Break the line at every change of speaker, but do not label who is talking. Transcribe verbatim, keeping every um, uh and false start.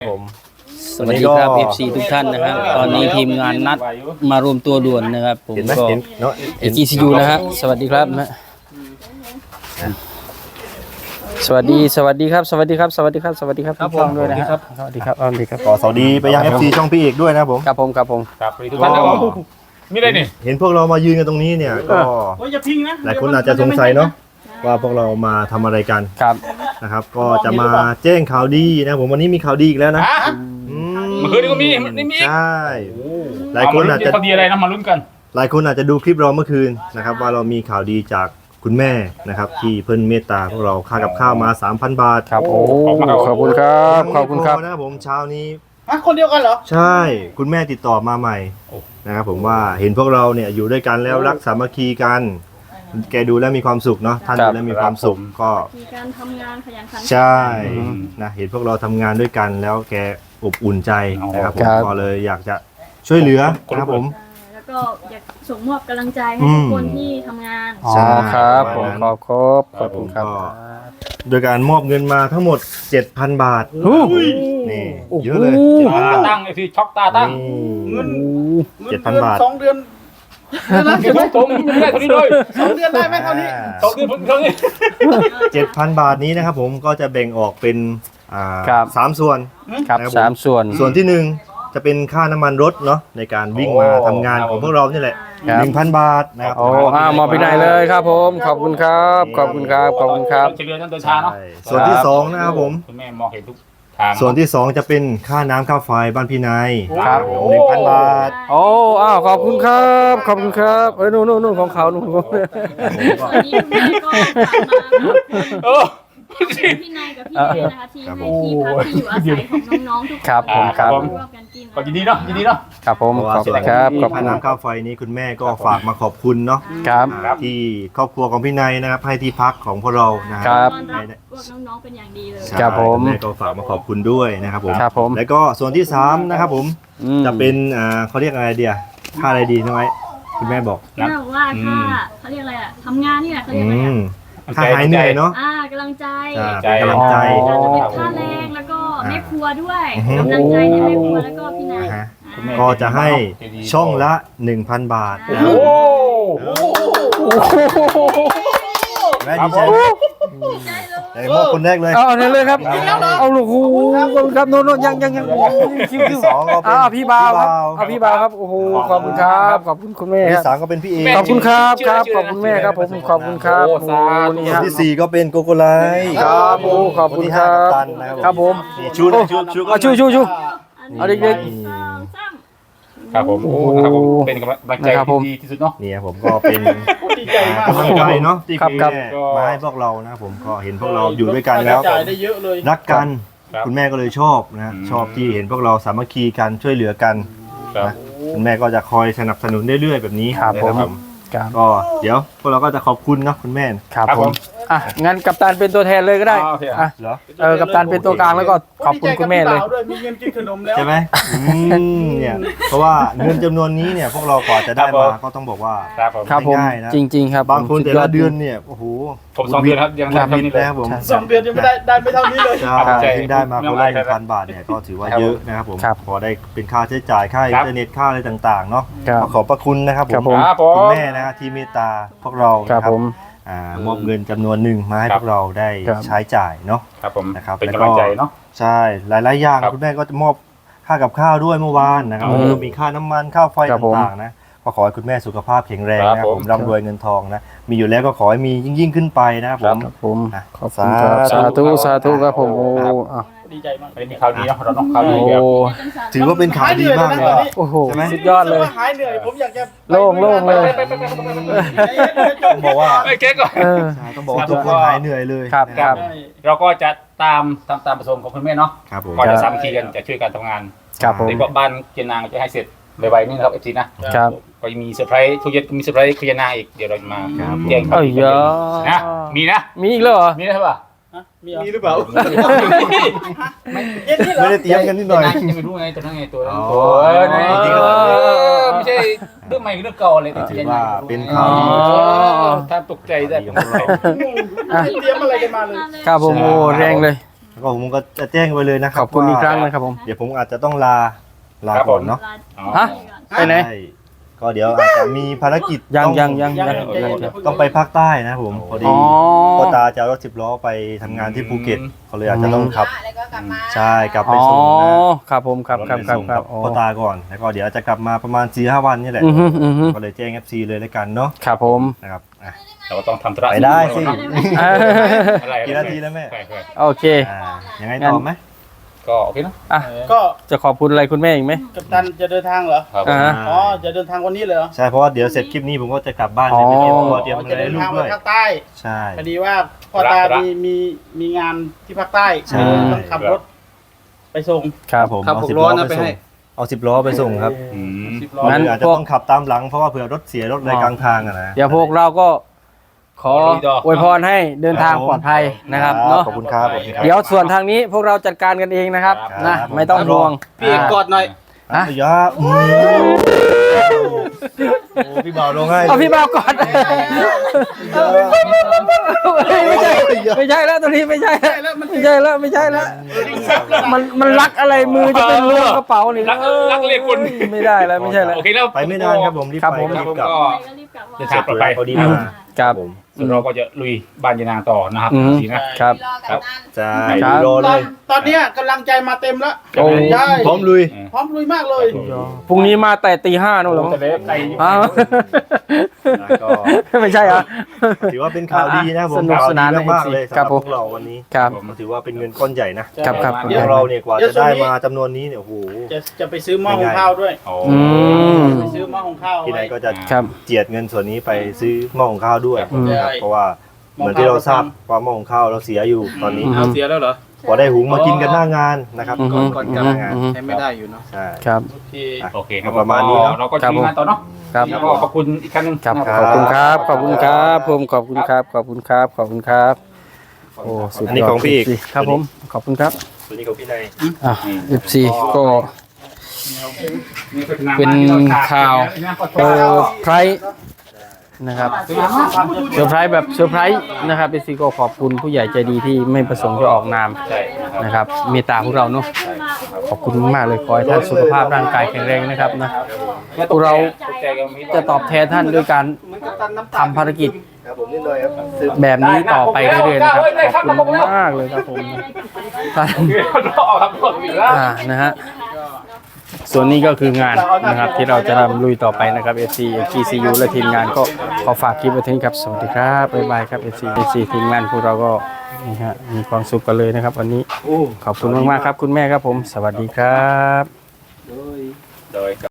ผม
สวัสดีครับ เอฟ ซี ทุกท่านนะครับตอนนี้ทีมงานนัดมารวมตัวด่วนนะครับผมก็เอจีซียูนะฮะสวัสดีครับนะสวัสดีสวัสดีครับสวัสดีครับสวัสดีครับสวัสดีครับทุกท่านด้วยนะครับสวัสดีครับสวัสดีครับ
ขอสวัสดีไปยัง เอฟ ซี ช่องพี่เอกด้วยนะครับผม
ครับผมครับผม
ครับทุกท่านครับมีอะไรนี่
เห็นพวกเรามายืนกันตรงนี้เนี่ยก็หลายคนอาจจะสงสัยเนาะว่าพวกเรามาทำอะไรกัน
ครับ
นะครับก็จะมาแจ้งข่าวดีนะผมวันนี้มีข่าวดีอีกแล้วนะอืม
เมื่อคืนนี้ก็มีนี่มี
ใช่หลายคนอาจจะ
พอดีอะไรนะมาลุ้นกัน
หลายคนอาจจะดูคลิปเราเมื่อคืนนะครับว่าเรามีข่าวดีจากคุณแม่นะครับที่เพิ่นเมตตาพวกเราค่ากับข้าวมา สามพัน บาท
ครับโอ้ขอบคุณครับขอบคุณครับ
ยังไม่พนะครับผมเช้านี้
ฮะคนเดียวกันเหรอ
ใช่คุณแม่ติดต่อมาใหม่นะครับผมว่าเห็นพวกเราเนี่ยอยู่ด้วยกันแล้วรักสามัคคีกันแกดูแล้วมีความสุขเนาะท่านดูแล้วมีความสุขก็
มีการทำงานขยันขันแข็ง
ใช่นะเห็นพวกเราทำงานด้วยกันแล้วแกอบอุ่นใจนะครับผมก็เลยอยากจะช่วยเหลือนะครับผม
แล้วก็อยากส่งมอบกำลังใจให้ทุกคนที่ทำงาน
อ๋อครับผมขอบครบขอบคุณครับ
โดยการมอบเงินมาทั้งหมด เจ็ดพัน บาทนี่เยอะเลย
ตาตั้งไอ้ที่ช็อกตาตั้ง
เงิน
เจ็ดพันบาท
สองเดือน
เก็บตรงไม่ได้เท่านี้เลย
สองเดือนได้ไหมเท่านี้
สองเดือนผมเท่านี้
เจ็ดพัน บาทนี้นะครับผมก็จะแบ่งออกเป็นอ่า
ครับ
สามส่วน
ครับสามส่วน
ส่วนที่หนึ่งจะเป็นค่าน้ำมันรถเนาะในการวิ่งมาทำงานของพวกเรานี่แหละ
ครับ
หนึ่งพัน บาทนะครับ
โอ้อ้าวมอบไปไหนเลยครับผมขอบคุณครับขอบคุณครับขอบคุณครับ
เฉลี่ยนั่นเดินช้าเนาะ
ใช่ส่วนที่สองนะครับผม
คุณแม่มองเห็นทุกทาง
ส่วนที่สองจะเป็นค่าน้ำค่าไฟบ้านพี่นาย
ครับ
หนึ่งพัน บาท
โอ้อ้าวขอบคุณครับขอบคุณครับเอ้ยนู่นนู่นนู่นของเขานู่นของ
วันนี้คุณแม่ก็ฝากมา
เออ
พี่นายกับพี่เอนะคะที่ให้ที่พักที่อยู่อาศัยของน้องๆทุกคน
ครับผมครับ
ร่วมกันกิน
ก็ยินดีเนาะยินดีเนาะ
ครับผม
เพราะว่า
ขอบ
ส่
คุ
วน
ณครับขอบ
ค่า
คุณ
น้ำค่าไฟนี้คุณแม่ก็ฝากมาขอบคุณเนาะ
ครับ
อ่าที่ครอบครัวของพี่นายนะครับให้ที่พักของพวกเรานะค
ครั
รับ
ต้อนรับพวกน้องๆเป็นอย่างดีเลย
ใช่
ครับผม
ณแม่ก็ฝากมาขอบคุณด้วยนะครับผม
ครับผม
แล้วก็ส่วนที่สามนะครับผม
อืม
จะเป็นอ่าเขาเรียกอะไรเดียค่าอะไรดีน้องไอ้คุณแม่บอก
ที่บอกว่าถ้าเขาเรียกอะไรอะทำงานนี่แหละเขาเรียกอะไร
อื
อะ
มค่าหายเหนื่อยเนาะ
อ่ากำลังใจ
อ่าเป็นกำลังใจ
อาจจะเป็นค่าแรงแล้วก็แม่ครัวด้วย
อือฮึ
กำลังใจในแม่ครัวแล้วก็พี่นาย
นะฮะ
อ่า
ก็จะให้ช่องละ หนึ่งพัน บาทนะค
โอ้
รับแม่ดีใจไหมไหนมอบคนแรกเลย
เอาเนี่ยเลยครับเอาลูกหูขอบคุณครับโน่นโน่นยังยังยังคิวคิว
ที่สองก็เป็น
อ้าวพี่บ่าวครับ
พี่
เอาพี่บ่าวครับโอ้โหขอบคุณครับขอบคุณคุณแม่
ที่
ครับ
สามก็เป็นพี่เอ
ขอบคุณครับครับขอบคุณแม่ครับผมขอบคุณครับโอ้นี่
คน
ฮะ
ที่สี่ก็เป็นโกโกไลท์
ครับโอ้ขอบคุณครับ
นที่ห้ากัปตันนะครับ
ครับผม
นี่ชูนะชูชู
เอาชูชูชู
อันนี้
เอาเด็ก
สองสาม
ครับผมโอ้ครับผมเป็นกำลังใจที่ดีที่สุดเนาะ
เนี่ยผมก็เป็น
ดีใจมาก
กำลังใจเนาะที่
ครับ
คุณ
ครับ
แม่มาให้พวกเรานะผมก็เห็นพวกเราอยู่ด้วยกันแล้ว
จ่ายได้เยอะเลย
รักกัน
ครับ
คุณแม่ก็เลยชอบนะชอบที่เห็นพวกเราสามัคคีกันช่วยเหลือกัน
ครับ
นะคุณแม่ก็จะคอยสนับสนุนเรื่อยๆแบบนี้
ครับ
นะ
ผม ครับ
ก็เดี๋ยวพวกเราก็จะขอบคุณเนาะคุณแม่
ครับ
ครับ
ผ
ผม ม
อ่ะงั้นกัปตันเป็นตัวแทนเลยก็ได้
อ่าโอเค
อ่ะ
เหรอ
เออกัปตันเป็นตัวกลางแล้วก็ขอบคุณคุณแม่เลย
ดีใจกับพี่บ่าวด้วยมีเงินกินขนมแล้ว
ใช่ไหมอืมเนี่ยเพราะว่าเงินจำนวนนี้เนี่ยพวกเรากว่าจะได้มาก็ต้องบอกว่า
ครับผม
ครับผม
ง่ายๆนะ
จริง ๆ ครับ
บางคน
สุ
แต่
ย
ละ
จ
เดือนเนี่ยโอ้โห
ผมสองเดือนครับยังไม่
ครับ
เท่านี้เลย
นะครับผม
ใช่
สองเดือนยังไม่ได้ได้ไม่เท่านี้เลย
ใช่
ครับ
ที่ได้มาคนละห
ไม่
นึ่ง
เป็นไร
พันบาทเนี่ยก็ถือว่า
ครับ
เยอะนะครับผม
ครับ
พอได้เป็นค่าใช้จ่ายค่าอินเทอร์เน็ตค่าอะไรต่างๆเนาะ
ครับ
ขอขอบพระคุณนะครับผ
ครับ
ม
ผม
ครับผม
คุณแม่นะฮะที่เมตตาพวกเรา
ครับ
นะ
ผม
อ่ามอบเงินจำนวนหนึ่งมาให้
ครั
พ
บ
วกเราได้
ครับ
ใช้จ่ายเนาะ
ครับผม
นะครับ
เป็นกำลังใจเนาะ
ใช่หลายๆอย่าง
ครับ
คุณแม่ก็จะมอบค่ากับข้าวด้วยเมื่อวานนะครับ
อืม
แล้วก็มีค่าน้ำมันค่าไฟ
ครับผม
ต่างๆนะก็ขอให้คุณแม่สุขภาพแข็งแรง
ครับ
นะครับผม
ผม
ร่ำรวยเงินทองนะมีอยู่แล้วก็ขอให้มียิ่งๆขึ้นไปนะครับผม
ครับผม
อ่ะ
ขอบคุณครับ
สา
สา
ธุ
ธุสาธุครับผมโอ้อ่ะ
ดีใจมาก
ไม่มีข่าวดีเนาะเราต้องข่าวดี
โอ้
แบบ
ถือว่าเป็นข่าวดีมากเลย
โอ้โห
ใช่ไหม
สุดยอดเลย
รู้สึกว่าหายเหนื่อยผมอยากจะ
โล่งโล่งเลย
ต้องบอกว่า
ไอ้เก๊กก่อน
เออ
ใช่ต้องบอกว่าทุกคนหายเหนื่อยเลย
ครับ
นะครับ
เราก็จะตามตามตามประสงค์ของคุณแม่เนาะ
ครับผม
ก็จะสามัคคีกันจะช่วยกันทำงาน
ครับผม
เดี๋ยวก็บ้านเกียนนางจะให้เสร็จไวๆนี่นะครับเอฟซีนะครับ ก็จะมีเซอร์ไพรส์ทุกเย็นมีเซอร์ไพรส์เกียนนางอีกเดี๋ยวเราจะมาแจ้ง
เอ้ยเยอะ
นะมีนะ
มีอีกแล้วเหรอ
มีนะใช่ป่ะ
มีหรือเปล่า
ไม่
เย็นนี่เหรอ
ไม่ได้เตรียมกันนิดหน่อย
จะไม่รู้ไงตัวนั้นไงตัวนั้น
อ๋อ
ตัวเออนี่ไม่ใช่เรื่องใหม่เรื่องเก่าเลย
ถือว่าเป็น
ข่า
ข่าว ว
ถ้าตกใจได้
ของพวกเรา
ไม่เตรียมอะไรกันมาเลย
ครับผมโอ้แรงเลย
แล้วก็ผมก็จะแจ้งไปเลยนะค
ข
รับ
อบคุณอีกครั้ง
ว่า
นะครับผม
เดี๋ยวผมอาจจะต้องลาลาก่อนเนาะ
ฮะ ไปไหน
ใช่ก็เดี๋ยวอาจจะมีภารกิจ
ยัง
ต้อง
ยังยังยัง
ต้องไปภาคใต้นะผมพอดี
อ๋อ
พ่อตาจะเอารถสิบล้อไปทำงานที่ภูเก็ตเขาเลยอาจจะต้องขับ
แล้วก็กลับมา
ใช่กลับไป
อ๋อ
ส่งนะ
ครับผมครับครับ
ไป
ครับ
ส่ง
ครั
กั
บบ อ๋อ
พ่อตาก่อนแล้วก็เดี๋ยวจะกลับมาประมาณสี่ห้าวันนี่แหละ
อือฮึอือฮึ
ก็เลยแจ้ง เอฟ ซี เลยแล้วกันเนาะ
ครับผม
นะครับอ่ะ
เราก็ต้องทำธุระ
ไปได้สิ
เออ
อะไร
กี่นาทีแล้วแม่
ใช่ใช่
โอเค
อ่ายังไงต่อไหม
ก็โอเคเนอะ
อ่ะ
ก็
จะขอบคุณอะไรคุณแม่อีกไหม
กัปตันจะเดินทางเหรอ
ครับ
อ่า
อ๋อจะเดินทางวันนี้เลยเหรอ
ใช่เพราะว่าเดี๋ยวเสร็จคลิปนี้ผมก็จะกลับบ้าน
อ๋อ
เลยไปเตรียมตัวเตรียม
อ๋อ
อะ
จะ
ไร
เดิ
ให้
น
ลู
ทาก งไป
ด้วย
ภาคใต้
ใช่
พอดีว่าพ่อตามีมีมีงานที่ภาคใต้
ใช่
ต้องขับรถไปส่ง
ครับ
ผม
ครับ
เอา
ผม
สิบ
ร้
ล้
อ
อน
นะ
ไป
ไป
ส่
ให้
งเอาสิบล้อไปส่งครับ
อืม
สิบล้อ
งั้น
อาจจะ
พวก
ต้องขับตามหลังเพราะว่าเผื่อรถเสียรถอะไรกลางทางอะนะ
เดี๋ยวพวกเราก็ขออวยพรให้เดินทางปลอดภัยนะครับเนาะ
ขอบคุณครับขอบคุณครับ
เดี๋ยวส่วนทางนี้พวกเราจัดการกันเองนะครับ
ครับ
นะครับ ไม่ต้องห่วง
พี่เอกกอดหน่อย
ฮะ
อ่ะยาอืมโอ้พี่บ่าวลงให้
เอาพี่บ่าวก่อนไม่ใช่ไม่ใช่แล้วตัวนี้ไม่ใช่แล้วไม่ใช่แล้วไม่ใช่แล้วมันมันลักอะไรมือจะเป็นล้วงกระเป๋านี่
รักรักเรียกคน
ไม่ได้แล้วไม่ใช่แล้ว
โอเคแล้ว
ไปไม่นานครับผมรีบ
ครับ
ไป
ผม
รีบกลับ
ก็
ก็รีบกลับมา
เดินทางปลอดภัย
พอดีมา
ครับ
ผม
ส่วนเราก็จะลุยบ้านยานางต่อนะครับ
อืม
สีนะ
ครับ
รอกับนั่น
ใช่
ครับ
รอ
ต
เล
อน
ย
ตอนเนี้ยกำลังใจมาเต็มแล้ว
โอ้
ใช่
พร้อมลุย
พร้อมลุยมากเลย
พรุ่งนี้มาแต่ตีห้านู่นเหรอ
จะเล็บไก่
อ้าว
แล้วก็
ไม่ใช่เหรอ
ถือว่าเป็นข่าวดีนะผม
สนุกสนาน
ข่วดีมากๆเลย
ค
สำห
รั
รั
บบ ผม
พวกเราวันนี้
ครับ
ผมถือว่าเป็นเงินก้อนใหญ่นะครับ
ครับ
พวกเราเนี่ยกว่าจะได้มาจำนวนนี้เนี่ยโอ้โห
จะจะไปซื้อหม้อหุงข้าวด้วย
โอ้
อืม
ไปซื้อหม้อหุงข้าว
ที่ไหน
ไว้
ก็จะ
ครับ
เจียดเงินส่วนนี้ไปซื้อหม้อหุงข้าวด้วย
อืม
นะครับเพราะว่าเหมือนที่เราทราบว่าหม้อหุงข้าวเราเสียอยู่ตอนนี้
อืม
เอาเสียแล้วเหรอ
พอได้หุงมากินกันหน้างานนะครับ
อืม
ก่อนก่อนกลับงาน
อืม
ใช้ไม่ได้อยู่เนาะ
ใช่
ครับ
โอเค
โอเคครับ
ประมาณนี้เนอะ
เราก็จะมีงานต่อเนาะ
ครับ
แล้วก็ขอบคุณอีกครั้งหนึง
ครับ
นะ
ขอบคุณครับ ขอบคุณครับผมขอบคุณครับ ขอบคุณครับ ขอบคุณครับ โอ้สุดยอด
อันนี้ของพี่เอก
ครับผม ขอบคุณครับ
ส่วนนี้ของพี่นาย
อ่ะ เอฟ ซี ก็ เป็นข่าวเซอร์ไพรส์นะครับเซอร์ไพรส์แบบเซอร์ไพรส์นะครับเอฟซีก็ขอบคุณผู้ใหญ่ใจดีที่ไม่ประสงค์จะออกนาม
ใช่นะครับ
นะครับเมตตาพวกเราเนาะขอบคุณมากๆเลยขอให้ท่านสุขภาพร่างกายแข็งแรงนะครับนะพวกเราจะตอบแทนท่านด้วยการทำภารกิจ
ครับผมนิดหน่อยครับซื้อ
แบบนี้ต่อไปเรื่อยๆนะครับขอบคุณมากเลยครับผมท่าน
รอครับรออีกแล้ว
อ่านะฮะส่วนนี้ก็คืองานนะครับที่เราจะทำลุยต่อไปนะครับ เอฟ ซี จี ซี ยู และทีมงานก็ขอฝากคลิปไว้ที่นี้ครับสวัสดีครับบ๊ายบายครับ เอฟ ซี เอฟ ซี ทีมงานพวกเราก็นี่ฮะมีความสุขกันเลยนะครับวันนี้ขอบคุณมากๆครับคุณแม่ครับผม สวัสดีครับ
โดย